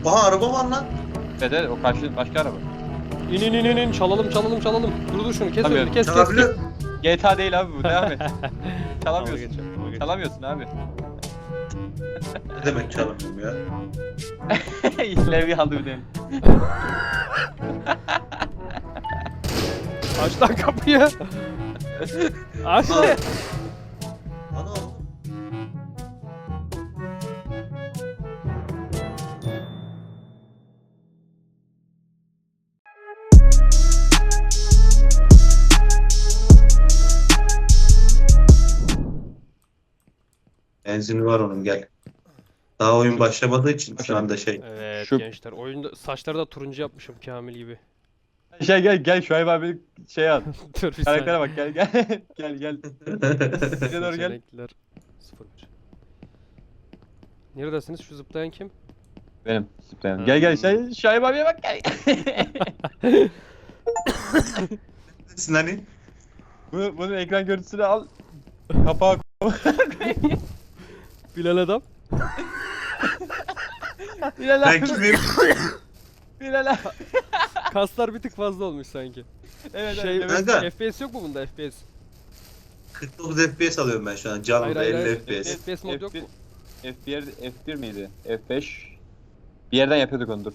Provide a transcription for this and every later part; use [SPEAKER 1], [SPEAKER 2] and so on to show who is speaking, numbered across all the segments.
[SPEAKER 1] Aha araba var lan.
[SPEAKER 2] Dede o karşı başka araba.
[SPEAKER 3] İn çalalım. Dur şunu kes
[SPEAKER 2] Tabii.
[SPEAKER 3] önünü kes.
[SPEAKER 1] Çalabiliyor.
[SPEAKER 2] GTA değil abi bu, devam et.
[SPEAKER 3] Dalga
[SPEAKER 2] Çalamıyorsun.
[SPEAKER 3] geçiyorum, dalga geçiyorum.
[SPEAKER 2] Çalamıyorsun abi.
[SPEAKER 1] Ne demek çalamıyorum ya?
[SPEAKER 2] Levye aldı bir de.
[SPEAKER 3] Aç lan kapıyı. Aç lan.
[SPEAKER 1] Ana oğlum. Benzini var onun gel. Daha oyun başlamadığı için şu anda şey.
[SPEAKER 3] Evet
[SPEAKER 2] Şu-
[SPEAKER 3] gençler oyunda saçları da turuncu yapmışım Kamil gibi.
[SPEAKER 2] Gel Şuayb abi şey al.
[SPEAKER 3] Dur bir
[SPEAKER 2] Karaktere
[SPEAKER 3] saniye.
[SPEAKER 2] bak gel. Bize doğru gel.
[SPEAKER 3] Seçenekler 01. Neredesiniz? Şu zıplayan kim?
[SPEAKER 2] Benim zıplayan. Gel Şuayb abiye bak gel.
[SPEAKER 1] Nesin hani?
[SPEAKER 2] Bunun ekran görüntüsünü al. Kapağı
[SPEAKER 3] Bilal adam.
[SPEAKER 2] Bilal
[SPEAKER 1] Ben
[SPEAKER 2] abi.
[SPEAKER 1] kimim?
[SPEAKER 2] Bilal abi.
[SPEAKER 3] Kaslar bir tık fazla olmuş sanki.
[SPEAKER 2] Evet
[SPEAKER 3] Şey,
[SPEAKER 2] evet.
[SPEAKER 1] Kanka.
[SPEAKER 3] FPS yok mu bunda FPS?
[SPEAKER 1] 49 FPS alıyorum ben şu an. Canlı 50 FPS.
[SPEAKER 3] FPS mod yok mu?
[SPEAKER 2] F1 miydi? F5. Bir yerden yapıyorduk onu dur.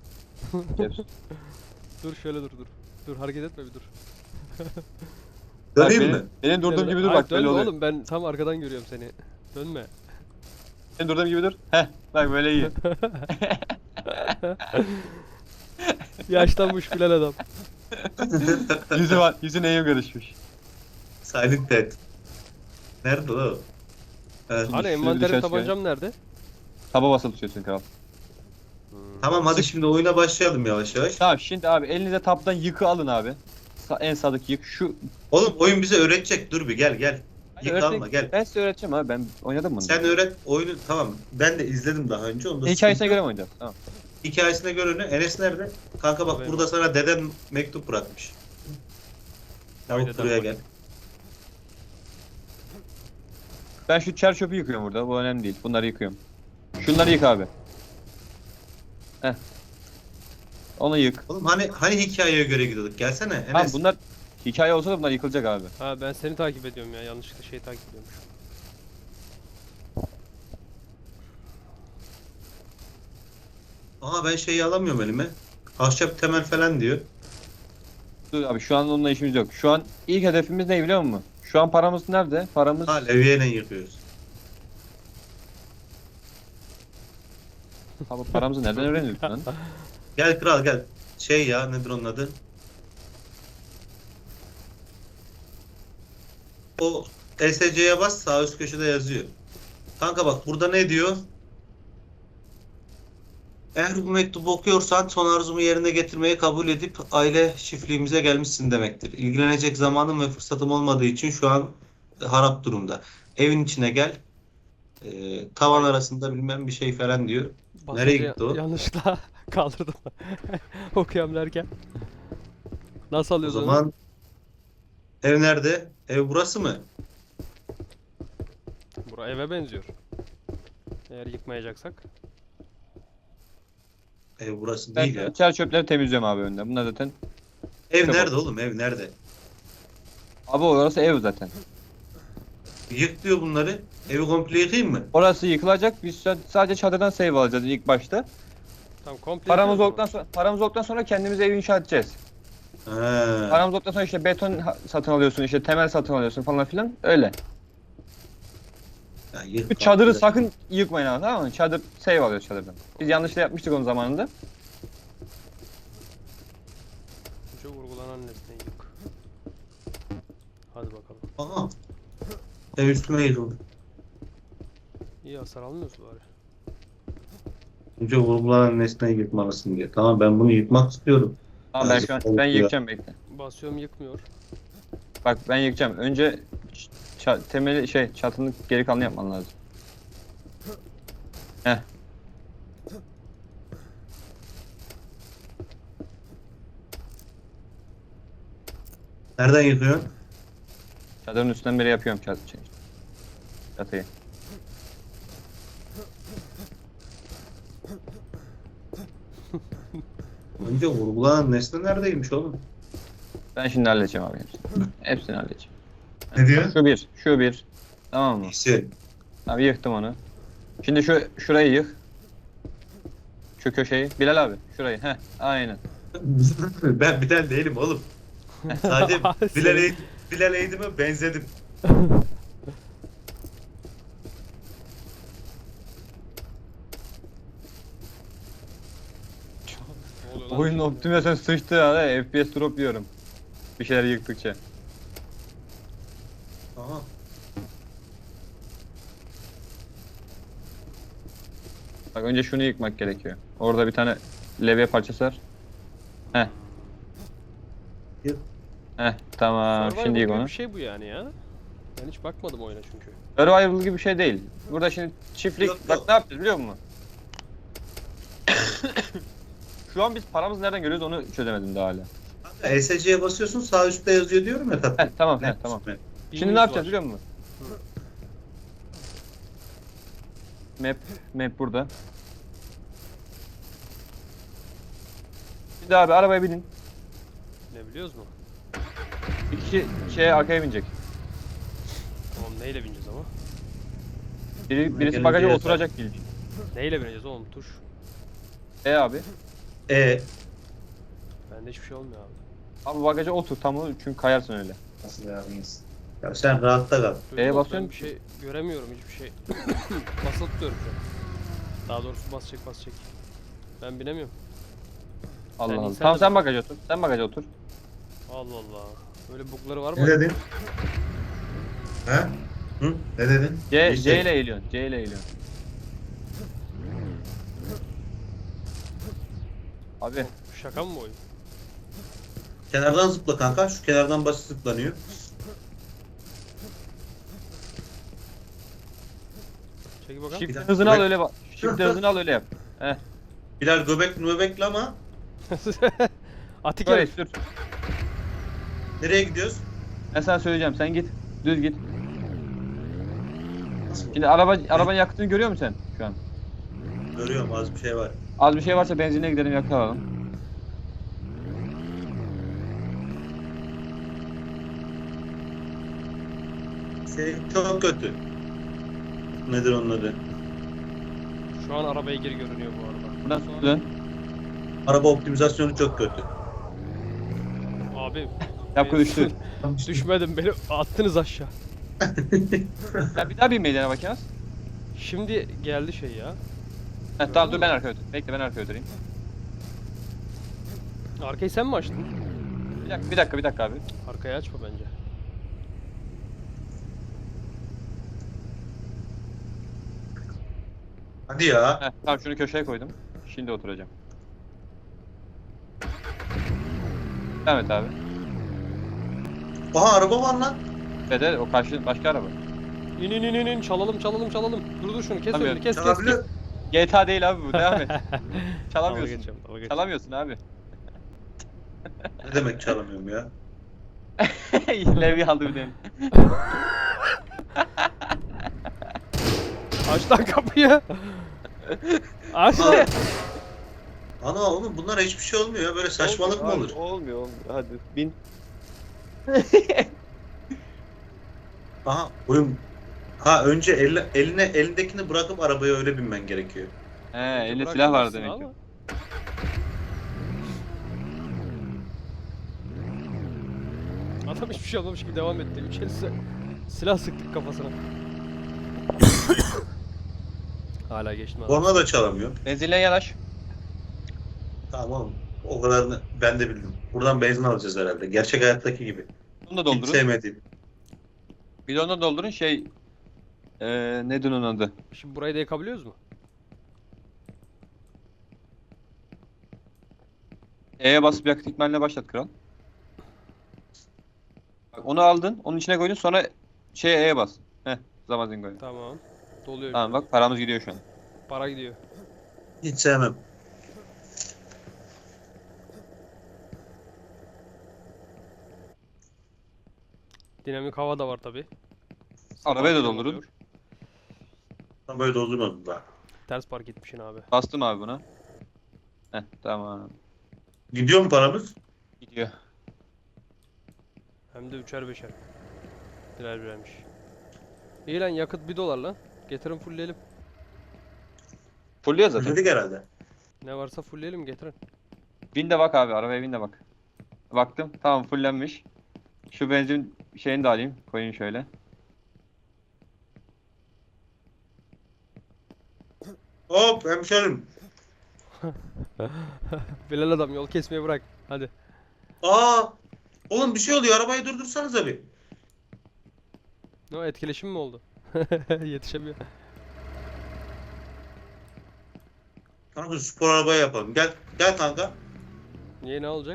[SPEAKER 3] Dur şöyle dur. Dur hareket etme bir dur.
[SPEAKER 1] Döneyim mi?
[SPEAKER 2] Benim durduğum gibi dur
[SPEAKER 3] Ay,
[SPEAKER 2] bak
[SPEAKER 3] dönme
[SPEAKER 2] böyle oluyor.
[SPEAKER 3] oğlum ben tam arkadan görüyorum seni. Dönme.
[SPEAKER 2] Benim durduğum gibi dur. Heh bak böyle iyi.
[SPEAKER 3] Yaşlanmış Bilal adam.
[SPEAKER 2] Yüzü neye karışmış.
[SPEAKER 1] Silent Dead. Nerede o? Evet.
[SPEAKER 3] Hani
[SPEAKER 2] Şunu
[SPEAKER 3] envanterim
[SPEAKER 2] dışarı
[SPEAKER 3] tabancam nerede?
[SPEAKER 2] Taba basılı tutuyorsun kral.
[SPEAKER 1] Tamam hadi şimdi oyuna başlayalım yavaş yavaş.
[SPEAKER 2] Tamam şimdi abi elinize taptan yıkı alın abi. En sağdaki yık şu.
[SPEAKER 1] Oğlum oyun bize öğretecek. Dur bir gel. Yık
[SPEAKER 2] Öğretmek-
[SPEAKER 1] alma gel.
[SPEAKER 2] Ben size öğreteceğim abi, ben oynadım bunu.
[SPEAKER 1] Sen öğret oyunu tamam. Ben de izledim daha önce. Onu da
[SPEAKER 2] Hikayesine göre mi oynayacağız? Tamam.
[SPEAKER 1] Hikayesine göre ne? Enes nerede? Kanka bak
[SPEAKER 3] Buradayım.
[SPEAKER 1] burada sana dedem mektup bırakmış.
[SPEAKER 3] Haydi
[SPEAKER 1] Tamam buraya
[SPEAKER 3] dedem
[SPEAKER 1] gel.
[SPEAKER 2] Ben şu çer çöpü yıkıyorum burada, bu önemli değil. Bunları yıkıyorum. Şunları yık abi. Heh. Onu yık.
[SPEAKER 1] Oğlum hani hikayeye göre gidiyorduk. Gelsene Enes.
[SPEAKER 2] Tamam bunlar hikaye olsa da bunlar yıkılacak abi.
[SPEAKER 3] Ha ben seni takip ediyorum ya yanlışlıkla şey takip ediyormuş.
[SPEAKER 1] Aha ben şeyi alamıyorum elime. Ahşap temel falan diyor.
[SPEAKER 2] Dur abi şu an onunla işimiz yok. Şu an ilk hedefimiz ne biliyor musun? Şu an paramız nerede? Paramız...
[SPEAKER 1] Ha levyeyle yıkıyoruz.
[SPEAKER 2] Abi paramızı nereden öğreniyorsun lan?
[SPEAKER 1] Gel kral gel. Şey ya nedir onun adı? O SC'ye bas sağ üst köşede yazıyor. Kanka bak burada ne diyor? Eğer bu mektubu okuyorsan son arzumu yerine getirmeyi kabul edip aile çiftliğimize gelmişsin demektir. İlgilenecek zamanım ve fırsatım olmadığı için şu an harap durumda. Evin içine gel. Tavan arasında bilmem bir şey falan diyor. Nereye gitti o?
[SPEAKER 3] Yanlışlıkla kaldırdım. Okuyam derken. Nasıl
[SPEAKER 1] O
[SPEAKER 3] alıyoruz onu?
[SPEAKER 1] zaman ev nerede? Ev burası mı?
[SPEAKER 3] Bura eve benziyor. Eğer yıkmayacaksak.
[SPEAKER 1] Ev burası
[SPEAKER 2] Ben
[SPEAKER 1] değil ya.
[SPEAKER 2] çer çöpleri temizliyorum abi önden. Bunlar zaten...
[SPEAKER 1] Ev
[SPEAKER 2] Tamam.
[SPEAKER 1] nerede oğlum? Ev nerede?
[SPEAKER 2] Abi orası ev zaten.
[SPEAKER 1] Yık diyor bunları. Evi komple yıkayım mı?
[SPEAKER 2] Orası yıkılacak. Biz sadece çadırdan save alacağız ilk başta.
[SPEAKER 3] Tamam komple
[SPEAKER 2] Paramız
[SPEAKER 3] yapıyoruz
[SPEAKER 2] olduktan sonra kendimiz evi inşa edeceğiz.
[SPEAKER 1] Ha.
[SPEAKER 2] Paramız olduktan sonra işte beton satın alıyorsun, işte temel satın alıyorsun falan filan öyle.
[SPEAKER 1] Ya yık
[SPEAKER 2] Bu çadırı
[SPEAKER 1] komple.
[SPEAKER 2] sakın yıkmayın abi, tamam mı? Çadır save alıyoruz çadırdan. Biz yanlışla yapmıştık onun zamanında.
[SPEAKER 3] Önce vurgulanan nesneyi yık. Hadi bakalım.
[SPEAKER 1] Aha. Ev üstüme yıkıldı.
[SPEAKER 3] İyi hasar almıyoruz bari.
[SPEAKER 1] Önce vurgulanan nesneyi yıkmalısın diyor. Tamam ben bunu yıkmak istiyorum.
[SPEAKER 2] Tamam ben şu an ben yıkacağım, bekle.
[SPEAKER 3] Basıyorum yıkmıyor.
[SPEAKER 2] Bak ben yıkacağım. Önce temeli çatının geri kalanını yapman lazım. Heh.
[SPEAKER 1] Nereden yıkıyorsun?
[SPEAKER 2] Çadırın üstünden beri yapıyorum çatıyı.
[SPEAKER 1] Önce vurgulanan nesne neredeymiş oğlum?
[SPEAKER 2] Ben şimdi halledeceğim abi hepsini. Hepsini halledeceğim.
[SPEAKER 1] Ne diyor?
[SPEAKER 2] Şu bir. Tamam mı?
[SPEAKER 1] İyisi.
[SPEAKER 2] Abi yıktım onu. Şimdi şurayı yık. Şu köşeyi. Bilal abi şurayı. Heh aynen.
[SPEAKER 1] Ben Bilal değilim oğlum. Sadece
[SPEAKER 3] Senin-
[SPEAKER 1] Bilal Eğdim'e benzedim.
[SPEAKER 3] Ne oluyor lan?
[SPEAKER 2] Oyunun optimizasyonu sıçtı ya. FPS drop yiyorum. Bir şeyler yıktıkça.
[SPEAKER 1] Aha.
[SPEAKER 2] Bak önce şunu yıkmak gerekiyor. Orada bir tane levye parçası var. Heh.
[SPEAKER 1] Yık.
[SPEAKER 2] Heh tamam.
[SPEAKER 3] Survival
[SPEAKER 2] Şimdi yık
[SPEAKER 3] gibi
[SPEAKER 2] onu.
[SPEAKER 3] bir şey bu yani ya. Ben hiç bakmadım oyuna çünkü.
[SPEAKER 2] Survival gibi bir şey değil. Burada şimdi çiftlik...
[SPEAKER 1] Yok,
[SPEAKER 2] Bak
[SPEAKER 1] yok.
[SPEAKER 2] ne yapacağız biliyor musun? Şu an biz paramızı nereden görüyoruz onu çözemedim daha hala.
[SPEAKER 1] ESC'ye basıyorsun sağ üstte yazıyor diyorum ya tatlım.
[SPEAKER 2] Heh tamam
[SPEAKER 1] Ne?
[SPEAKER 2] tamam.
[SPEAKER 1] Ne?
[SPEAKER 2] Şimdi
[SPEAKER 3] Bilgimiz
[SPEAKER 2] ne yapacağız
[SPEAKER 3] var.
[SPEAKER 2] biliyor musun? Map burada. Şimdi abi arabaya binin.
[SPEAKER 3] Ne biliyoruz mu?
[SPEAKER 2] Bir kişi arkaya binecek.
[SPEAKER 3] Tamam neyle bineceğiz ama?
[SPEAKER 2] Birisi
[SPEAKER 1] Gelin
[SPEAKER 2] bagaja
[SPEAKER 1] diye
[SPEAKER 2] oturacak ilk.
[SPEAKER 3] Neyle bineceğiz oğlum tuş?
[SPEAKER 2] Abi.
[SPEAKER 3] Bende hiçbir şey olmuyor abi.
[SPEAKER 2] Abi bagaja otur tam o çünkü kayarsın öyle.
[SPEAKER 1] Nasıl yardımcıyız? Ya sen rahatta kal.
[SPEAKER 3] Duydun mu?
[SPEAKER 2] basıyorum
[SPEAKER 3] Ben bir şey göremiyorum hiçbir şey. Basılı tutuyorum şu an. Daha doğrusu basacak. Ben binemiyorum.
[SPEAKER 2] Allah
[SPEAKER 3] Sen
[SPEAKER 2] Allah.
[SPEAKER 3] insan
[SPEAKER 2] Tamam
[SPEAKER 3] da
[SPEAKER 2] sen
[SPEAKER 3] bak.
[SPEAKER 2] bagaja otur. Sen bagaja otur.
[SPEAKER 3] Allah Allah. Böyle bugları var
[SPEAKER 1] Ne
[SPEAKER 3] mı?
[SPEAKER 1] dedin? Ha? Hı? Ne dedin?
[SPEAKER 2] C ile eğiliyorsun. C ile eğiliyorsun. Abi
[SPEAKER 3] Şaka mı bu oyun?
[SPEAKER 1] Kenardan zıpla kanka. Şu kenardan basit zıplanıyor.
[SPEAKER 3] Çek bakalım.
[SPEAKER 2] shift
[SPEAKER 1] dakika,
[SPEAKER 2] hızını al
[SPEAKER 1] bek-
[SPEAKER 2] öyle bak. Shift hızını al öyle yap. Heh.
[SPEAKER 1] Bilal göbekli ama
[SPEAKER 3] Atik
[SPEAKER 2] Böyle
[SPEAKER 3] herif.
[SPEAKER 2] sür.
[SPEAKER 1] nereye gidiyoruz?
[SPEAKER 2] Ben sana söyleyeceğim. Sen git. Düz git.
[SPEAKER 1] Nasıl?
[SPEAKER 2] Şimdi arabanın yakıtını görüyor musun sen şu an?
[SPEAKER 1] Görüyorum az bir şey var.
[SPEAKER 2] Az bir şey varsa benzinliğe gidelim yakıt alalım.
[SPEAKER 1] Senin çok kötü. Nedir onun adı?
[SPEAKER 3] Şu an arabaya geri görünüyor bu arada.
[SPEAKER 2] Buradan sola dön.
[SPEAKER 1] Araba optimizasyonu çok kötü.
[SPEAKER 3] Abi.
[SPEAKER 2] Yapı düştü.
[SPEAKER 3] Düşmedim beni attınız aşağı.
[SPEAKER 2] Ya bir daha bin meydana bakayım.
[SPEAKER 3] Şimdi geldi şey ya.
[SPEAKER 2] Heh, tamam dur ben arkaya oturayım. Bekle ben arkaya oturayım.
[SPEAKER 3] Arkayı sen mi açtın?
[SPEAKER 2] Bir dakika abi.
[SPEAKER 3] Arkayı açma bence.
[SPEAKER 1] Hadi ya.
[SPEAKER 2] Heh, tamam şunu köşeye koydum. Şimdi oturacağım. Devam et abi.
[SPEAKER 1] Aha araba var lan.
[SPEAKER 2] Dede o karşı başka araba.
[SPEAKER 3] İn çalalım. Dur şunu kes
[SPEAKER 2] Tamam,
[SPEAKER 3] önünü kes.
[SPEAKER 1] Çalabiliyor.
[SPEAKER 2] GTA değil abi bu devam et.
[SPEAKER 3] Dalga
[SPEAKER 2] Çalamıyorsun.
[SPEAKER 3] geçeceğim, dalga geçeceğim.
[SPEAKER 2] Çalamıyorsun abi.
[SPEAKER 1] Ne demek çalamıyorum ya?
[SPEAKER 2] Levye aldı bir de.
[SPEAKER 3] Aç lan kapıyı. Aç lan.
[SPEAKER 1] Ana oğlum bunlar hiçbir şey olmuyor ya. Böyle saçmalık mı olur?
[SPEAKER 2] Olmuyor. Hadi bin.
[SPEAKER 1] Aha oyun. Önce elindekini bırakıp arabaya öyle binmen gerekiyor.
[SPEAKER 2] He elinde
[SPEAKER 3] Bırak
[SPEAKER 2] silah var
[SPEAKER 3] gitsin
[SPEAKER 2] demek ki.
[SPEAKER 3] ama. Adam hiçbir şey olmamış gibi devam etti. Üç el silah sıktık kafasına. Hala geçtim adam.
[SPEAKER 1] Ona da çalamıyor.
[SPEAKER 2] Benzinliğe yanaş.
[SPEAKER 1] Tamam oğlum. O kadarını ben de bildim. Buradan benzin alacağız herhalde. Gerçek hayattaki gibi.
[SPEAKER 2] Bunu da
[SPEAKER 1] Hiç
[SPEAKER 2] doldurun.
[SPEAKER 1] sevmediğim.
[SPEAKER 2] Bidonu da doldurun nedir onun adı?
[SPEAKER 3] Şimdi burayı da yakabiliyoruz mu?
[SPEAKER 2] E'ye basıp yakıt ikmaline başlat kral. Bak onu aldın, onun içine koydun sonra E'ye bas. Heh, Zamazingo'ya.
[SPEAKER 3] Tamam. Doluyor.
[SPEAKER 2] Tamam bak paramız gidiyor şu an.
[SPEAKER 3] Para gidiyor.
[SPEAKER 1] Hiç sevmem.
[SPEAKER 3] Dinamik hava da var tabi.
[SPEAKER 2] Arabayı da doldurun.
[SPEAKER 1] Ben böyle doldurmadım daha.
[SPEAKER 3] Ters park etmişsin abi.
[SPEAKER 2] Bastım abi buna. Heh, tamam.
[SPEAKER 1] Gidiyor mu paramız?
[SPEAKER 2] Gidiyor.
[SPEAKER 3] Hem de üçer beşer. Birer birermiş. İyi lan, yakıt $1 lan. Getirin fullleyelim.
[SPEAKER 2] Fulluyor zaten.
[SPEAKER 1] Dedik herhalde.
[SPEAKER 3] Ne varsa fullleyelim, getirin.
[SPEAKER 2] Bin de bak abi, arabaya bin de bak. Baktım, tamam fullenmiş. Şu benzin şeyini de alayım, koyayım şöyle.
[SPEAKER 1] Hop hemşerim.
[SPEAKER 3] Bilal adam, yol kesmeyi bırak. Hadi.
[SPEAKER 1] Aa! Oğlum bir şey oluyor. Arabayı durdursanıza bir.
[SPEAKER 3] Ne o, etkileşim mi oldu? Yetişemiyor.
[SPEAKER 1] Kanka spor arabaya yapalım. Gel gel kanka.
[SPEAKER 3] Niye, ne olacak?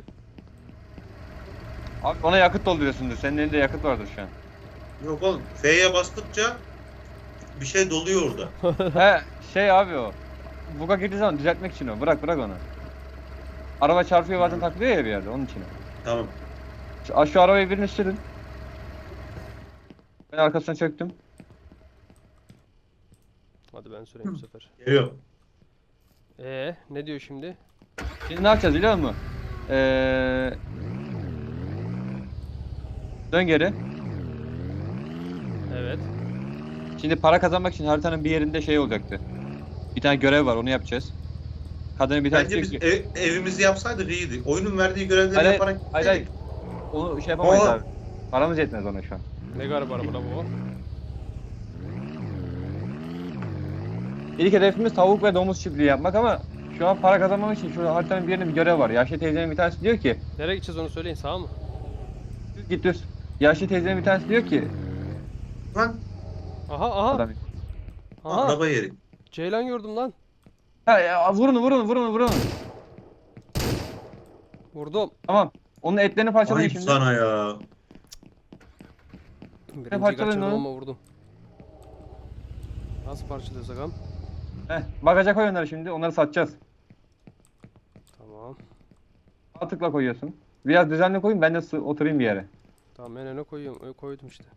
[SPEAKER 2] Abi ona yakıt dolduruyorsundur. Senin elinde yakıt vardır şu an.
[SPEAKER 1] Yok oğlum. F'ye bastıkça bir şey doluyor orada.
[SPEAKER 2] He şey abi o. Buga girdiği zaman düzeltmek için o. Bırak onu. Araba çarpıyor bazen takılıyor ya bir yerde, onun için o.
[SPEAKER 1] Tamam.
[SPEAKER 2] Şu arabayı birini sürün. Ben arkasına çöktüm.
[SPEAKER 3] Hadi ben süreyim bu sefer.
[SPEAKER 1] Geliyor.
[SPEAKER 3] Ne diyor şimdi?
[SPEAKER 2] Şimdi ne yapacağız biliyor musun? Dön geri.
[SPEAKER 3] Evet.
[SPEAKER 2] Şimdi para kazanmak için haritanın bir yerinde şey olacaktı. Bir tane görev var, onu yapacağız. Kadının bir tanesi
[SPEAKER 1] Bence
[SPEAKER 2] diyor
[SPEAKER 1] biz
[SPEAKER 2] ki...
[SPEAKER 1] evimizi yapsaydık iyiydi. Oyunun verdiği görevleri
[SPEAKER 2] Hayır,
[SPEAKER 1] yaparak
[SPEAKER 2] hayır.
[SPEAKER 1] gittik.
[SPEAKER 2] Onu şey yapamayız
[SPEAKER 1] Aa!
[SPEAKER 2] abi. Paramız yetmez ona şu an.
[SPEAKER 3] Ne garip araba la bu.
[SPEAKER 2] İlk hedefimiz tavuk ve domuz çiftliği yapmak ama şu an para kazanmak için şu haritanın bir yerinde bir görev var. Yaşlı teyzenin bir tanesi diyor ki...
[SPEAKER 3] Nereye gideceğiz onu söyleyin, sağa mı?
[SPEAKER 2] Düz git düz. Yaşlı teyzenin bir tanesi diyor ki...
[SPEAKER 1] Lan
[SPEAKER 3] Aha.
[SPEAKER 2] Adam...
[SPEAKER 3] Aha.
[SPEAKER 1] araba yeri.
[SPEAKER 3] Ceylan gördüm lan.
[SPEAKER 2] Ha, ya, vurun.
[SPEAKER 3] Vurdum.
[SPEAKER 2] Tamam. Onun etlerini parçalayın
[SPEAKER 1] Ayıp
[SPEAKER 2] şimdi.
[SPEAKER 1] sana ya.
[SPEAKER 3] Birinciyi
[SPEAKER 2] parçaladın
[SPEAKER 3] kaçırdım
[SPEAKER 2] onu?
[SPEAKER 3] ama vurdum. Nasıl parçalıyoruz agam?
[SPEAKER 2] Bagaja koy onları şimdi. Onları satacağız.
[SPEAKER 3] Tamam.
[SPEAKER 2] Sağ tıkla koyuyorsun. Biraz düzenli koyun, ben de oturayım bir yere.
[SPEAKER 3] Tamam, en öne koyuyorum. Koydum işte.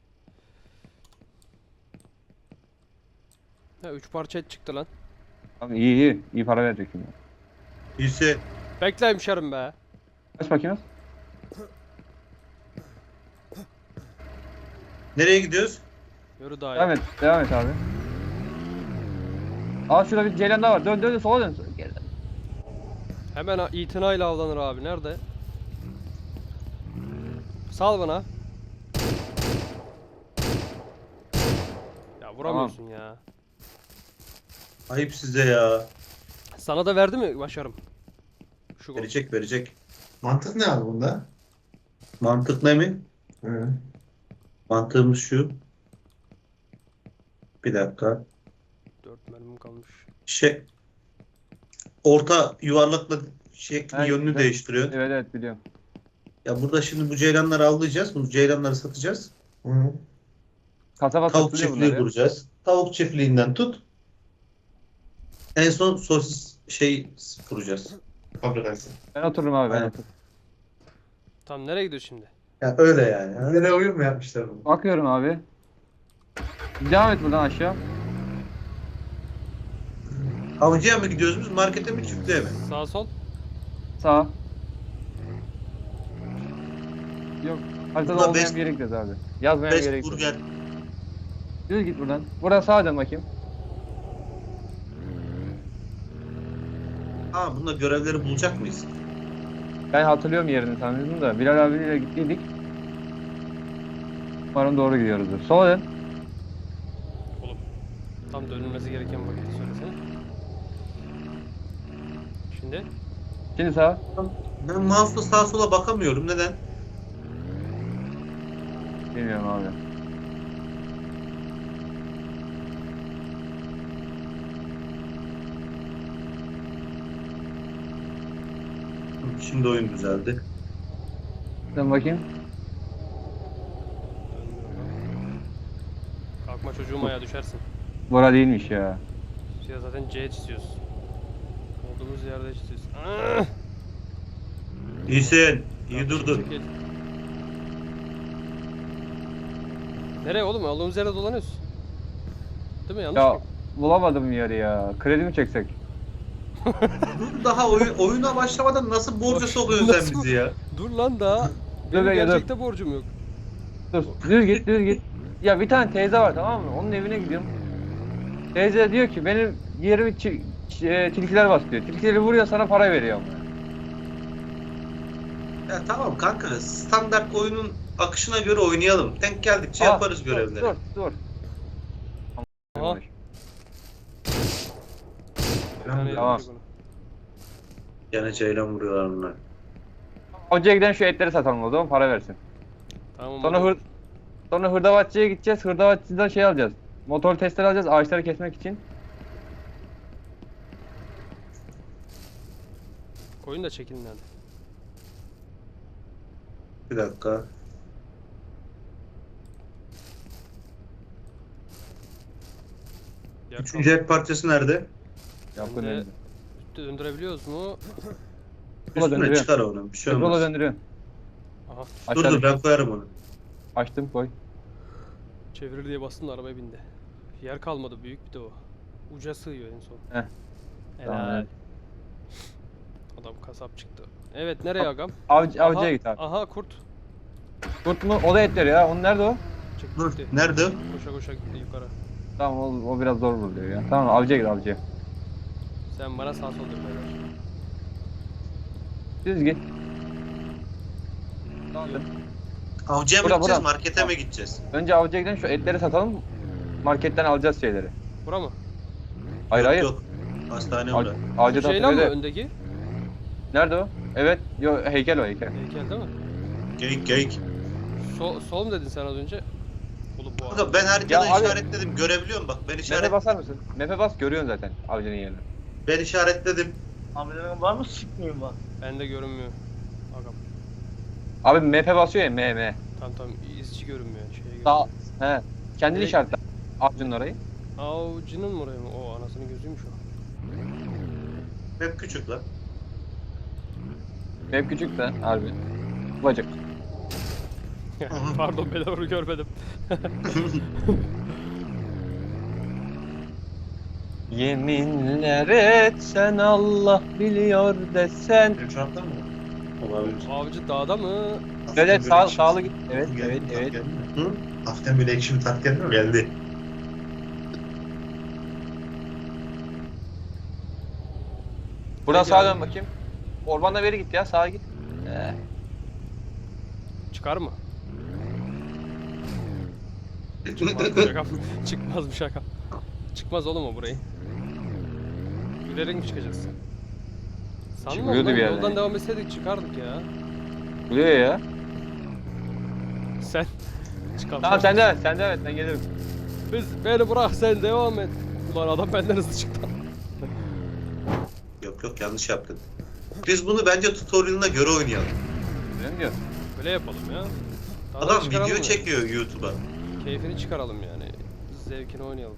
[SPEAKER 3] Ha, 3 parça et çıktı lan.
[SPEAKER 2] Tamam, iyi. İyi para verecek şimdi.
[SPEAKER 1] İyisi.
[SPEAKER 3] Bekle hemşerim be.
[SPEAKER 2] Kaç bakıyoruz?
[SPEAKER 1] Nereye gidiyoruz?
[SPEAKER 3] Yürü daha
[SPEAKER 2] Devam
[SPEAKER 3] iyi.
[SPEAKER 2] et. Devam et abi. Aa şurada bir ceylan daha var. Dön sola dön. Geri dön.
[SPEAKER 3] Hemen itinayla avlanır abi. Nerede? Sal bana. Ya vuramıyorsun ya.
[SPEAKER 1] Ayıp size ya.
[SPEAKER 3] Sana da verdi mi başarım? Şu gol.
[SPEAKER 1] Verecek.
[SPEAKER 4] Mantık ne abi bunda?
[SPEAKER 1] Mantık ne mi?
[SPEAKER 4] Hı.
[SPEAKER 1] Mantığımız şu. Bir dakika.
[SPEAKER 3] 4 mermim kalmış.
[SPEAKER 1] Orta yuvarlakla şekli
[SPEAKER 2] Ha,
[SPEAKER 1] yönünü
[SPEAKER 2] güzel.
[SPEAKER 1] değiştiriyor.
[SPEAKER 2] Evet biliyorum.
[SPEAKER 1] Ya burada şimdi bu ceylanları avlayacağız. Bu ceylanları satacağız.
[SPEAKER 4] Hı.
[SPEAKER 2] Kasaba
[SPEAKER 1] Tavuk
[SPEAKER 2] satılıyor
[SPEAKER 1] çiftliği
[SPEAKER 2] bunlar ya.
[SPEAKER 1] kuracağız. Tavuk çiftliğinden tut. En son sosis kuracağız.
[SPEAKER 4] Fabrikası.
[SPEAKER 2] Ben otururum abi, ben
[SPEAKER 1] Aynen.
[SPEAKER 2] otururum.
[SPEAKER 3] Tamam, nereye gidiyor şimdi?
[SPEAKER 1] Ya öyle yani.
[SPEAKER 4] Nereye oyun mu yapmışlar bunu?
[SPEAKER 2] Bakıyorum abi. Devam et buradan aşağı.
[SPEAKER 1] Avcıya mı gidiyoruz biz? Markete mi çiftliğe mi?
[SPEAKER 3] Sağ sol.
[SPEAKER 2] Sağa. Yok. Haritada
[SPEAKER 1] Burada
[SPEAKER 2] olmayan
[SPEAKER 1] best-
[SPEAKER 2] bir yere gidiyoruz abi. Yazmayan bir yere
[SPEAKER 1] Best
[SPEAKER 2] gidiyoruz.
[SPEAKER 1] Burger.
[SPEAKER 2] Düz git buradan. Buradan sağa dön bakayım.
[SPEAKER 1] Ha bunda görevleri bulacak mıyız?
[SPEAKER 2] Ben hatırlıyorum yerini sanıyordum da. Bilal abiyle gittiydik. Umarım doğru gidiyoruzdur. Sola dön.
[SPEAKER 3] Tam dönülmesi gereken vakiti söylesene. Şimdi.
[SPEAKER 2] Şimdi sağa.
[SPEAKER 1] Ben mouse'la sağa sola bakamıyorum. Neden?
[SPEAKER 2] Bilmiyorum abi.
[SPEAKER 1] Şimdi oyun düzeldi.
[SPEAKER 2] Dön bakayım.
[SPEAKER 3] Kalkma çocuğum, ayağa düşersin.
[SPEAKER 2] Bora değilmiş ya.
[SPEAKER 3] Ya zaten C çiziyoruz. Olduğumuz yerde çiziyoruz. Ah!
[SPEAKER 1] İyisin. İyi
[SPEAKER 3] Kardeşim,
[SPEAKER 1] durdun.
[SPEAKER 3] çekil. Nereye oğlum? Olduğumuz yerde dolanıyoruz. Değil mi? Yanlış
[SPEAKER 2] Ya
[SPEAKER 3] mı?
[SPEAKER 2] bulamadım yeri ya. Kredi mi çeksek?
[SPEAKER 1] Dur daha oyuna başlamadan nasıl borca sokuyorsun sen
[SPEAKER 3] Nasıl?
[SPEAKER 1] bizi ya?
[SPEAKER 3] Dur lan daha.
[SPEAKER 2] Dur
[SPEAKER 3] Benim
[SPEAKER 2] be, dur.
[SPEAKER 3] gerçekte borcum yok.
[SPEAKER 2] Dur. Düz git, düz git. Ya bir tane teyze var, tamam mı? Onun evine gidiyorum. Teyze diyor ki benim yerimi tilkiler bastırıyor. Tilkileri vuruyor, sana para veriyor.
[SPEAKER 1] Ya tamam kanka, standart oyunun akışına göre oynayalım. Denk geldikçe
[SPEAKER 2] Aa,
[SPEAKER 1] yaparız
[SPEAKER 2] dur,
[SPEAKER 1] görevleri.
[SPEAKER 2] Dur.
[SPEAKER 3] Aha. Bir tane
[SPEAKER 2] Tamam.
[SPEAKER 3] yapacak onu.
[SPEAKER 1] Gene ceylan vuruyorlar bunlar.
[SPEAKER 2] Hocaya giden şu etleri satalım o zaman, para versin.
[SPEAKER 3] Tamam.
[SPEAKER 2] Sonra
[SPEAKER 3] olur.
[SPEAKER 2] sonra hırdavatçıya gideceğiz. Hırdavatçıdan şey alacağız. Motor testleri alacağız ağaçları kesmek için.
[SPEAKER 3] Koyun da çekilin hadi.
[SPEAKER 1] Bir dakika.
[SPEAKER 3] Yak
[SPEAKER 1] Üçüncü et parçası nerede?
[SPEAKER 2] Yapın
[SPEAKER 3] Ben de-
[SPEAKER 2] önünde.
[SPEAKER 3] Üstte döndürebiliyoruz mu?
[SPEAKER 2] Yola
[SPEAKER 1] Üstüne
[SPEAKER 2] döndürüyor.
[SPEAKER 1] çıkar onu. Bir şey
[SPEAKER 2] Yola
[SPEAKER 1] olmaz.
[SPEAKER 2] döndürüyor.
[SPEAKER 3] Aha.
[SPEAKER 1] Dur dur, ben koyarım onu.
[SPEAKER 2] Açtım koy.
[SPEAKER 3] Çevirir diye bastım da arabaya bindi. Yer kalmadı, büyük bir de o. Uca sığıyor en son.
[SPEAKER 2] Heh. Tamam,
[SPEAKER 3] Helal.
[SPEAKER 2] evet.
[SPEAKER 3] Adam kasap çıktı. Evet, nereye agam?
[SPEAKER 2] Avcıya
[SPEAKER 3] Aha,
[SPEAKER 2] git abi.
[SPEAKER 3] Aha kurt.
[SPEAKER 2] Kurt mu? O da etleri ya. Onun nerede o?
[SPEAKER 1] Dur.
[SPEAKER 3] Gitti.
[SPEAKER 1] Nerede?
[SPEAKER 3] Koşa koşa gitti yukarı.
[SPEAKER 2] Tamam o biraz zor buluyor ya. Tamam avcıya git avcıya.
[SPEAKER 3] Sen bana sağ sol dön beyler.
[SPEAKER 2] Düz git. Tamam.
[SPEAKER 1] Avcıya mı
[SPEAKER 2] Bura,
[SPEAKER 1] gideceğiz,
[SPEAKER 2] bura.
[SPEAKER 1] markete mi gideceğiz?
[SPEAKER 2] Önce avcıya gidelim şu etleri satalım. Marketten alacağız şeyleri.
[SPEAKER 3] Bura mı?
[SPEAKER 2] Hayır
[SPEAKER 1] Yok,
[SPEAKER 2] hayır.
[SPEAKER 1] Yok. Hastane
[SPEAKER 2] Av-
[SPEAKER 1] orada.
[SPEAKER 2] Avcı
[SPEAKER 3] Şu
[SPEAKER 2] da
[SPEAKER 3] şey lan mı
[SPEAKER 2] tepede.
[SPEAKER 3] öndeki?
[SPEAKER 2] Nerede o? Evet. Yo heykel o heykel.
[SPEAKER 3] Heykel değil mi?
[SPEAKER 1] Geyik geyik.
[SPEAKER 3] Sol mu dedin sen az önce? Oğlum bu
[SPEAKER 1] Kanka ben haritada
[SPEAKER 2] Ya abi-
[SPEAKER 1] işaretledim. Görebiliyor musun bak?
[SPEAKER 2] Mepe basar mısın? Mepe bas görüyorsun zaten avcının yerini.
[SPEAKER 1] Ben işaretledim.
[SPEAKER 5] Hamilelerin var mı sıkmıyor bak.
[SPEAKER 3] Bende görünmüyor. Agam.
[SPEAKER 2] Abi mepe basıyor ya M.
[SPEAKER 3] Tamam izci görünmüyor. Şeye
[SPEAKER 2] Sağ.
[SPEAKER 3] görünmüyor.
[SPEAKER 2] He. Kendini
[SPEAKER 3] Direkt-
[SPEAKER 2] işaretle. Avcının orayı.
[SPEAKER 3] Avcının mı oraya mı? O anasının gözüymüş o.
[SPEAKER 1] Hep küçük lan.
[SPEAKER 2] Map küçük de harbi. Bacak.
[SPEAKER 3] Pardon ben onu görmedim.
[SPEAKER 2] Yeminler etsen Allah biliyor desen.
[SPEAKER 4] Benim şu anda mı? Olabilir.
[SPEAKER 3] Avcı dağda mı?
[SPEAKER 2] Evet sağlı git. Evet evet.
[SPEAKER 1] Hı?
[SPEAKER 4] Hafiften böyle ekşi bir tat geldi mi?
[SPEAKER 1] Geldi.
[SPEAKER 2] Buradan
[SPEAKER 3] Peki
[SPEAKER 2] sağa
[SPEAKER 3] abi.
[SPEAKER 2] dön bakayım. Ormanda beri git ya sağa git.
[SPEAKER 3] Çıkar mı? Çıkmaz şaka. Çıkmaz bir şaka. Çıkmaz oğlum o burayı. Yürüyerek mi çıkacağız? Sanmam
[SPEAKER 2] Çıkıyordu
[SPEAKER 3] lan,
[SPEAKER 2] bir yerden.
[SPEAKER 3] yoldan devam etseydik çıkardık ya.
[SPEAKER 2] Buraya ya.
[SPEAKER 3] Sen çıkalım.
[SPEAKER 2] Tamam sen de evet ben gelirim.
[SPEAKER 3] Beni bırak sen devam et. Ulan adam benden hızlı çıktı.
[SPEAKER 1] Yok yanlış yaptın. Biz bunu bence tutorial'ına göre oynayalım.
[SPEAKER 2] Öyle mi diyor?
[SPEAKER 3] Böyle yapalım ya. Daha da
[SPEAKER 1] Adam
[SPEAKER 3] çıkaralım
[SPEAKER 1] video
[SPEAKER 3] ya.
[SPEAKER 1] çekiyor YouTube'a.
[SPEAKER 3] Keyfini çıkaralım yani. Zevkini oynayalım.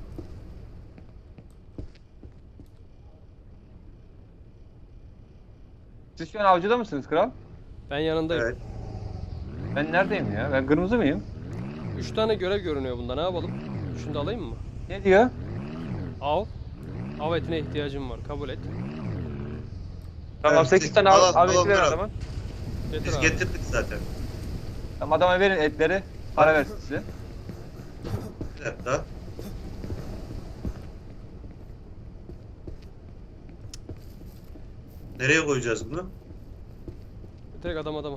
[SPEAKER 2] Siz şu an avcıda mısınız kral?
[SPEAKER 3] Ben yanındayım.
[SPEAKER 1] Evet.
[SPEAKER 2] Ben neredeyim ya? Ben kırmızı mıyım?
[SPEAKER 3] 3 tane görev görünüyor bunda, ne yapalım? Şunu da alayım mı?
[SPEAKER 2] Ne diyor?
[SPEAKER 3] Av. Av etine ihtiyacım var, kabul et.
[SPEAKER 2] Tamam
[SPEAKER 1] Evet,
[SPEAKER 2] 8 tane
[SPEAKER 1] al,
[SPEAKER 2] av eti
[SPEAKER 1] al,
[SPEAKER 2] ver
[SPEAKER 1] al.
[SPEAKER 2] adama.
[SPEAKER 3] Getir
[SPEAKER 1] Biz
[SPEAKER 3] abi.
[SPEAKER 1] getirdik zaten.
[SPEAKER 2] Tamam adama verin etleri. Para versin size.
[SPEAKER 1] Bir dakika. Nereye koyacağız bunu?
[SPEAKER 3] Direkt adama.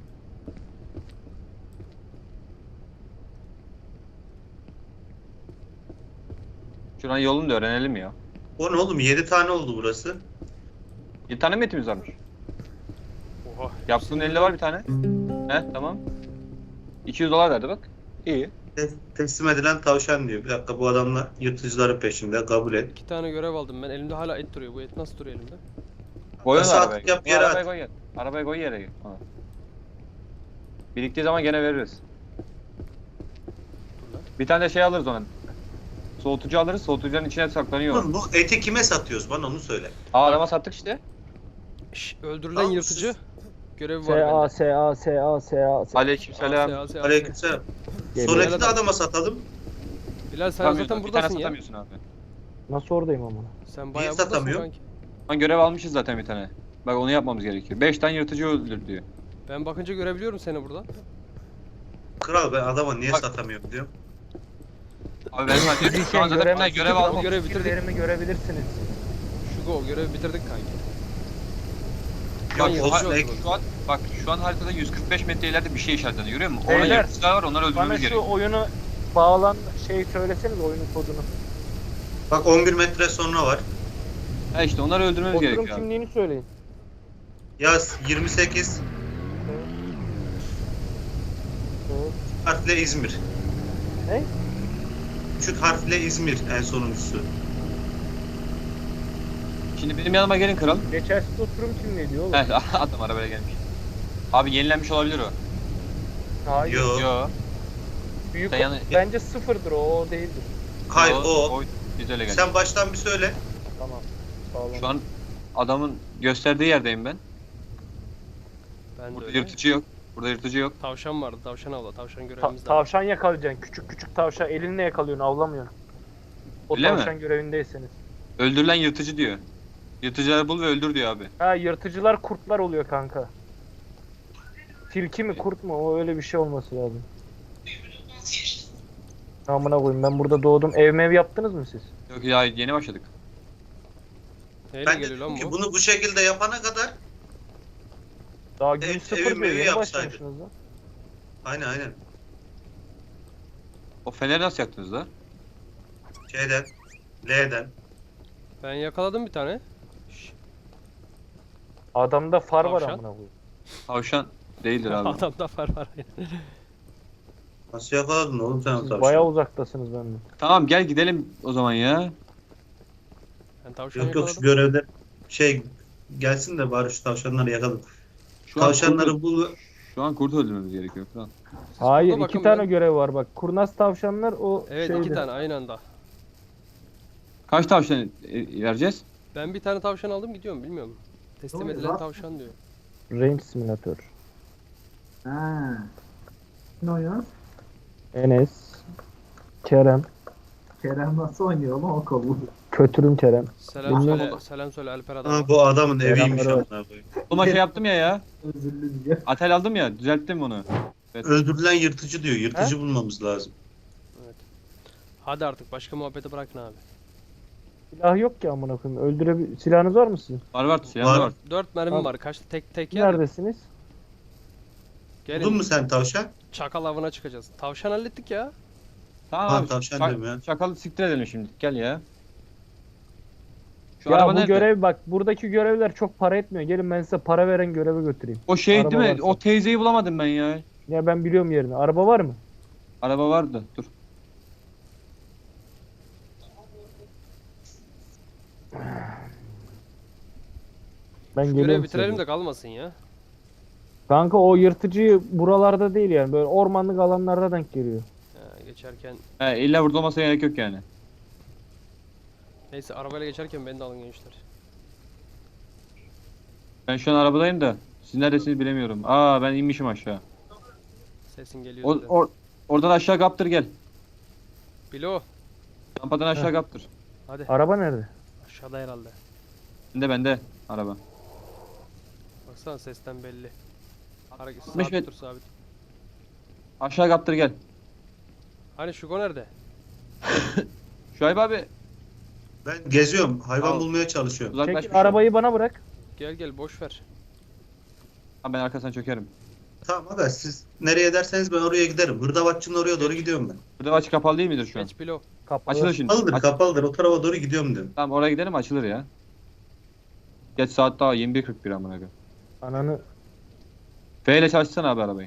[SPEAKER 2] Şuran yolunu da öğrenelim ya.
[SPEAKER 1] O ne oğlum? 7 tane oldu burası.
[SPEAKER 2] 7 tane mi etimiz varmış?
[SPEAKER 3] Oha.
[SPEAKER 2] Yaptığın elde var bir tane. He tamam. 200 dolar verdi bak. İyi.
[SPEAKER 1] Teslim edilen tavşan diyor. Bir dakika, bu adamlar yırtıcıların peşinde. Kabul et.
[SPEAKER 3] 2 tane görev aldım ben. Elimde hala et duruyor. Bu et nasıl duruyor elimde?
[SPEAKER 2] Koy onu
[SPEAKER 1] Sağ
[SPEAKER 2] arabaya.
[SPEAKER 1] tık yap,
[SPEAKER 2] Koy,
[SPEAKER 1] yere
[SPEAKER 2] arabaya
[SPEAKER 1] at.
[SPEAKER 2] koy yere. Arabaya koy yere. Ha. Biriktiği zaman gene veririz.
[SPEAKER 3] Dur lan.
[SPEAKER 2] Bir tane de şey alırız ona. Soğutucu alırız. Soğutucuların içine saklanıyor.
[SPEAKER 1] Oğlum bu eti kime satıyoruz? Bana onu söyle.
[SPEAKER 2] Aa adama sattık işte.
[SPEAKER 3] Şş, öldürülen
[SPEAKER 1] Tamam,
[SPEAKER 3] yırtıcı. Görevi var bende.
[SPEAKER 2] Aleykümselam.
[SPEAKER 1] Aleykümselam.
[SPEAKER 5] Geliyor.
[SPEAKER 1] Sonraki de adama satalım.
[SPEAKER 3] Bilal sen
[SPEAKER 2] Satamıyorsun,
[SPEAKER 3] zaten
[SPEAKER 2] bir tane
[SPEAKER 3] buradasın ya.
[SPEAKER 2] satamıyorsun abi.
[SPEAKER 5] Nasıl oradayım ama?
[SPEAKER 3] Sen bayağı
[SPEAKER 1] satamıyor?
[SPEAKER 3] buradasın kanki.
[SPEAKER 2] Lan görev almışız zaten bir tane. Bak onu yapmamız gerekiyor. 5 tane yırtıcı öldür diyor.
[SPEAKER 3] Ben bakınca görebiliyorum seni burada.
[SPEAKER 1] Kral ben adama niye
[SPEAKER 2] Bak.
[SPEAKER 1] satamıyorum diyorum.
[SPEAKER 2] Abi ben sadece şu an zaten bir tane görev aldım.
[SPEAKER 3] Görev bitirdik.
[SPEAKER 6] Fikirlerimi görebilirsiniz.
[SPEAKER 3] Şu go görevi bitirdik kanki.
[SPEAKER 2] Bak,
[SPEAKER 3] Lan
[SPEAKER 2] şu
[SPEAKER 3] yırtıcı
[SPEAKER 2] an,
[SPEAKER 3] öldü
[SPEAKER 2] şu an, bak şu an haritada 145 metre ileride bir şey işaretleniyor, görüyor musun? Orada
[SPEAKER 6] Beyler,
[SPEAKER 2] yırtıcılar var, onları
[SPEAKER 6] Bana
[SPEAKER 2] öldürmemiz
[SPEAKER 6] şu
[SPEAKER 2] gerekiyor.
[SPEAKER 6] oyunu bağlan şey söyleseniz oyunun kodunu.
[SPEAKER 1] Bak 11 metre sonra var.
[SPEAKER 2] Ha işte onları öldürmemiz
[SPEAKER 6] Oturum
[SPEAKER 2] gerekiyor abi.
[SPEAKER 6] kimliğini söyleyin.
[SPEAKER 1] Yaz 28
[SPEAKER 6] Evet.
[SPEAKER 1] harfle İzmir.
[SPEAKER 6] Ne?
[SPEAKER 1] Küçük harfle İzmir en sonuncusu.
[SPEAKER 2] Şimdi benim yanıma gelin kral.
[SPEAKER 6] Geçersiz oturum kimliği diyor oğlum.
[SPEAKER 2] Heh, adam arabaya gelmiş. Abi yenilenmiş olabilir o.
[SPEAKER 6] Hayır.
[SPEAKER 1] Yo.
[SPEAKER 2] Yo.
[SPEAKER 6] Büyük
[SPEAKER 2] Sen yani-
[SPEAKER 6] bence sıfırdır o değildir.
[SPEAKER 1] Hayır
[SPEAKER 2] Yo,
[SPEAKER 1] o.
[SPEAKER 2] Biz öyle geldik.
[SPEAKER 1] Sen baştan bir söyle.
[SPEAKER 6] Tamam. Sağ olun.
[SPEAKER 2] Şu an adamın gösterdiği yerdeyim ben.
[SPEAKER 3] Ben de
[SPEAKER 2] Burada
[SPEAKER 3] öyle.
[SPEAKER 2] yırtıcı yok. Burada yırtıcı yok.
[SPEAKER 3] Tavşan vardı. Tavşan avla. Tavşan görevimiz de var.
[SPEAKER 6] Tavşan yakalayacaksın. Küçük küçük tavşan elinle yakalıyorsun, avlamıyorsun. O
[SPEAKER 2] Öyle mi?
[SPEAKER 6] tavşan görevindeyseniz.
[SPEAKER 2] Öldürülen yırtıcı diyor. Yırtıcıları bul ve öldür diyor abi.
[SPEAKER 6] Ha, yırtıcılar kurtlar oluyor kanka. Tilki mi kurt mu? O öyle bir şey olması lazım. Amına koyayım, ben burada doğdum. Ev mev yaptınız mı siz?
[SPEAKER 2] Yok ya, yeni başladık.
[SPEAKER 3] Neyle
[SPEAKER 1] Ben
[SPEAKER 3] geliyor
[SPEAKER 1] dedim
[SPEAKER 3] lan
[SPEAKER 1] ki
[SPEAKER 3] bu?
[SPEAKER 1] bunu bu şekilde yapana kadar
[SPEAKER 6] Daha gün
[SPEAKER 1] Evet,
[SPEAKER 6] sıfır
[SPEAKER 1] evim
[SPEAKER 6] diyor.
[SPEAKER 1] evi
[SPEAKER 6] Yeni
[SPEAKER 1] yapsaydı.
[SPEAKER 6] başlamışsınız lan.
[SPEAKER 1] aynen
[SPEAKER 2] O feneri nasıl yaktınız lan?
[SPEAKER 1] şeyden L'den.
[SPEAKER 3] Ben yakaladım bir tane. Şşş,
[SPEAKER 6] Adamda far var
[SPEAKER 3] Tavşan.
[SPEAKER 6] amına koyayım.
[SPEAKER 2] Tavşan değildir abi.
[SPEAKER 3] Adamda far var.
[SPEAKER 1] Nasıl yakaladın oğlum sen o
[SPEAKER 6] Siz
[SPEAKER 1] tavşanı?
[SPEAKER 6] bayağı uzaktasınız benden.
[SPEAKER 2] Tamam gel gidelim o zaman ya.
[SPEAKER 3] Ben tavşan
[SPEAKER 1] Yok yok şu
[SPEAKER 3] yakaladım.
[SPEAKER 1] görevde şey gelsin de bari şu tavşanları yakalım.
[SPEAKER 2] Şu an
[SPEAKER 1] Tavşanları
[SPEAKER 2] kurt,
[SPEAKER 1] bul.
[SPEAKER 2] şu an kurt öldürmemiz gerekiyor falan.
[SPEAKER 6] Hayır,
[SPEAKER 3] burada
[SPEAKER 6] iki
[SPEAKER 3] bakın
[SPEAKER 6] tane
[SPEAKER 3] ben-
[SPEAKER 6] görev var bak. Kurnaz tavşanlar o
[SPEAKER 3] Evet
[SPEAKER 6] şeydi.
[SPEAKER 3] 2 tane aynı anda.
[SPEAKER 2] Kaç tavşan vereceğiz?
[SPEAKER 3] Ben bir tane tavşan aldım gidiyorum bilmiyorum. Teslim
[SPEAKER 4] Doğru,
[SPEAKER 3] edilen
[SPEAKER 4] bak.
[SPEAKER 3] tavşan diyor.
[SPEAKER 6] Range simülatör.
[SPEAKER 4] Ha. Ne oynuyor?
[SPEAKER 6] Enes. Kerem.
[SPEAKER 4] Kerem nasıl oynuyor oğlum o kolu?
[SPEAKER 6] Kötürüm Kerem.
[SPEAKER 3] Selam
[SPEAKER 6] Bilmiyorum.
[SPEAKER 3] söyle, selam söyle Alper adam.
[SPEAKER 1] Ha, bu adamın eviymiş
[SPEAKER 6] Selamlar.
[SPEAKER 1] amına koyayım.
[SPEAKER 2] Oğlum şey yaptım ya.
[SPEAKER 4] Özürlü diye.
[SPEAKER 2] Atel aldım ya, düzelttim onu.
[SPEAKER 1] Öldürülen yırtıcı diyor. Yırtıcı bulmamız lazım.
[SPEAKER 3] Hadi artık başka muhabbeti bırakın abi.
[SPEAKER 6] Silah yok ki amına koyayım. Silahınız var mı sizin?
[SPEAKER 2] Var silahım
[SPEAKER 1] Var.
[SPEAKER 2] var.
[SPEAKER 3] 4 mermim
[SPEAKER 6] Tamam.
[SPEAKER 3] var. Kaç tek yer mi?
[SPEAKER 6] Neredesiniz?
[SPEAKER 3] Gelin.
[SPEAKER 1] Buldun mu sen tavşan?
[SPEAKER 3] Çakal avına çıkacağız. Tavşan hallettik ya.
[SPEAKER 2] Tamam
[SPEAKER 1] Ha,
[SPEAKER 2] abi.
[SPEAKER 1] tavşan diyorum ya.
[SPEAKER 2] Çakalı siktir edelim şimdi. Gel ya. Şu
[SPEAKER 6] Ya
[SPEAKER 2] araba
[SPEAKER 6] bu
[SPEAKER 2] nerede?
[SPEAKER 6] görev bak, buradaki görevler çok para etmiyor. Gelin ben size para veren göreve götüreyim.
[SPEAKER 2] O şey
[SPEAKER 6] Araba
[SPEAKER 2] değil mi?
[SPEAKER 6] varsa.
[SPEAKER 2] O teyzeyi bulamadım ben ya.
[SPEAKER 6] Ya ben biliyorum yerini. Araba var mı?
[SPEAKER 2] Araba vardı. Dur.
[SPEAKER 6] Ben
[SPEAKER 3] Şu
[SPEAKER 6] geliyorum
[SPEAKER 3] görevi
[SPEAKER 6] size.
[SPEAKER 3] bitirelim de kalmasın ya.
[SPEAKER 6] Kanka o yırtıcı buralarda değil yani. Böyle ormanlık alanlarda denk geliyor.
[SPEAKER 3] Ha, geçerken
[SPEAKER 2] He, illa burada olmasına gerek yok yani.
[SPEAKER 3] neyse arabayla geçerken beni de alın gençler.
[SPEAKER 2] Ben şu an arabadayım da. Siz neredesiniz bilemiyorum. Aa ben inmişim aşağı.
[SPEAKER 3] Sesin geliyor
[SPEAKER 2] O,
[SPEAKER 3] zaten.
[SPEAKER 2] oradan aşağı kaptır gel.
[SPEAKER 3] Bilo.
[SPEAKER 2] Rampadan aşağı kaptır.
[SPEAKER 3] Hadi.
[SPEAKER 6] Araba nerede?
[SPEAKER 3] Aşağıda herhalde.
[SPEAKER 2] Bende araba.
[SPEAKER 3] Baksana sesten belli. Hareket
[SPEAKER 2] 60
[SPEAKER 3] sabit
[SPEAKER 2] metre.
[SPEAKER 3] dur sabit.
[SPEAKER 2] Aşağı kaptır gel.
[SPEAKER 3] Hani Şugo nerede?
[SPEAKER 2] Şuayb abi.
[SPEAKER 1] Ben geziyorum. Hayvan
[SPEAKER 2] Al.
[SPEAKER 1] bulmaya çalışıyorum.
[SPEAKER 2] Uzaklaşmış.
[SPEAKER 6] Çekil arabayı bana bırak.
[SPEAKER 3] Gel gel boş ver.
[SPEAKER 2] Ha, ben arkasından çökerim.
[SPEAKER 1] Tamam aga siz nereye derseniz ben oraya giderim. Hırdavatçı'nın oraya doğru gidiyorum ben.
[SPEAKER 2] Burada açık kapalı değil midir şu an?
[SPEAKER 3] Geç Bilo.
[SPEAKER 6] Kapalı.
[SPEAKER 2] Açılır şimdi.
[SPEAKER 1] Kapalıdır kapalıdır. O tarafa doğru gidiyorum dedim.
[SPEAKER 2] Tamam oraya gidelim açılır ya. Geç saat daha 21.41 amına koyayım.
[SPEAKER 6] Ananı.
[SPEAKER 2] F ile çalışsana abi arabayı.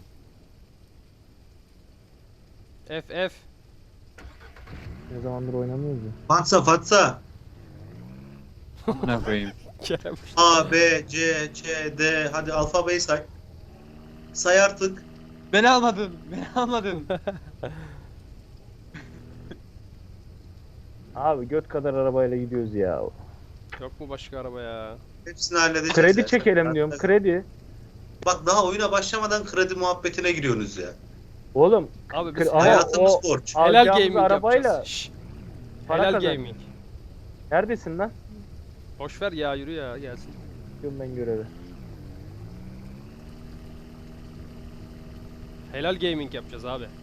[SPEAKER 3] F.
[SPEAKER 6] Ne zamandır oynamıyoruz ya.
[SPEAKER 1] Fatsa.
[SPEAKER 2] Amına koyayım.
[SPEAKER 3] Kerem.
[SPEAKER 1] A, B, C, Ç, D. Hadi alfabeyi say. Say artık.
[SPEAKER 2] Beni almadın. Beni almadın.
[SPEAKER 6] Abi göt kadar arabayla gidiyoruz ya.
[SPEAKER 3] Yok mu başka araba ya?
[SPEAKER 1] Hepsini halledeceğiz.
[SPEAKER 6] Kredi
[SPEAKER 1] ya.
[SPEAKER 6] çekelim diyorum. Kredi.
[SPEAKER 1] Bak daha oyuna başlamadan kredi muhabbetine giriyorsunuz ya.
[SPEAKER 6] Oğlum
[SPEAKER 3] Abi biz
[SPEAKER 6] Ama
[SPEAKER 1] Hayatımız
[SPEAKER 6] o-
[SPEAKER 1] borç.
[SPEAKER 3] helal
[SPEAKER 6] alacağımız
[SPEAKER 3] gaming
[SPEAKER 6] arabayla
[SPEAKER 3] yapacağız. Şşş.
[SPEAKER 6] para
[SPEAKER 3] Helal
[SPEAKER 6] kazan.
[SPEAKER 3] gaming.
[SPEAKER 6] neredesin lan?
[SPEAKER 3] Boş ver ya, yürü ya, gelsin.
[SPEAKER 6] Yapıyorum ben görevi.
[SPEAKER 3] Helal gaming yapacağız abi.